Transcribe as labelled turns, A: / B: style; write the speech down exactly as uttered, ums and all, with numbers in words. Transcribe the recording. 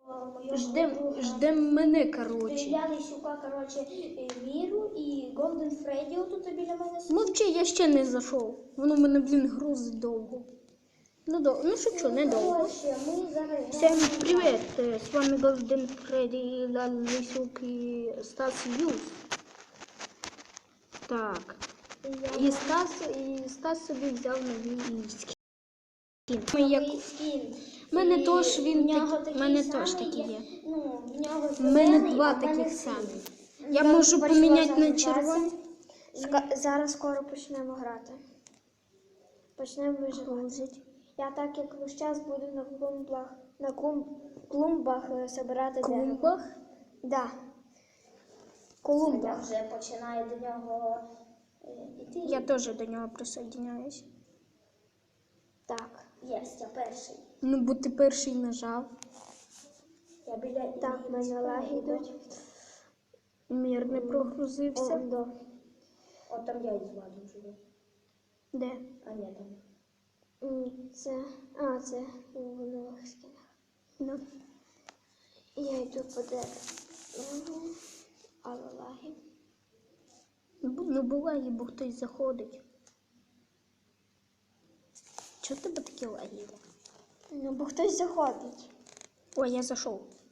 A: Ждем, ждем мене, короче.
B: Стріляли сюка, короче, Міру і Голден Фредді отут біля мене.
A: Мовчи, я ще не зайшов. Воно мене, блін, грузить довго. Ну, до... ну шучу, недовго. Всем привет! С вами Голден Фредді, Лисюк и Стас Юс. Так. І Стас, і Стас собі взяв новий скін.
B: Новий скін.
A: У мене теж він такий, мене теж такі є. У мене два таких самих. Я можу поміняти на червоний.
B: Зараз скоро почнемо грати. Почнемо виживати. Я так як весь час буду на клумбах, на клумб, клумбах збирати дерево.
A: Клумбах?
B: Да. Колумбах. Вже починає до нього йти.
A: Я теж до нього присоединяюсь.
B: Так, єсть, я перший.
A: Ну, бо ти перший нажав.
B: Я біля... Так, в мене лаги йдуть.
A: Мір не прогрузився.
B: О, да. О, там я із Владом живу.
A: Де?
B: А, ні, там. Це, а, це у нових скінах.
A: Ну.
B: Я йду по дереву. Але лаги.
A: Ну, буває, бо хтось заходить. Чого в тебе такі лаги?
B: Ну, бо хтось заходить.
A: Ой, я зайшов.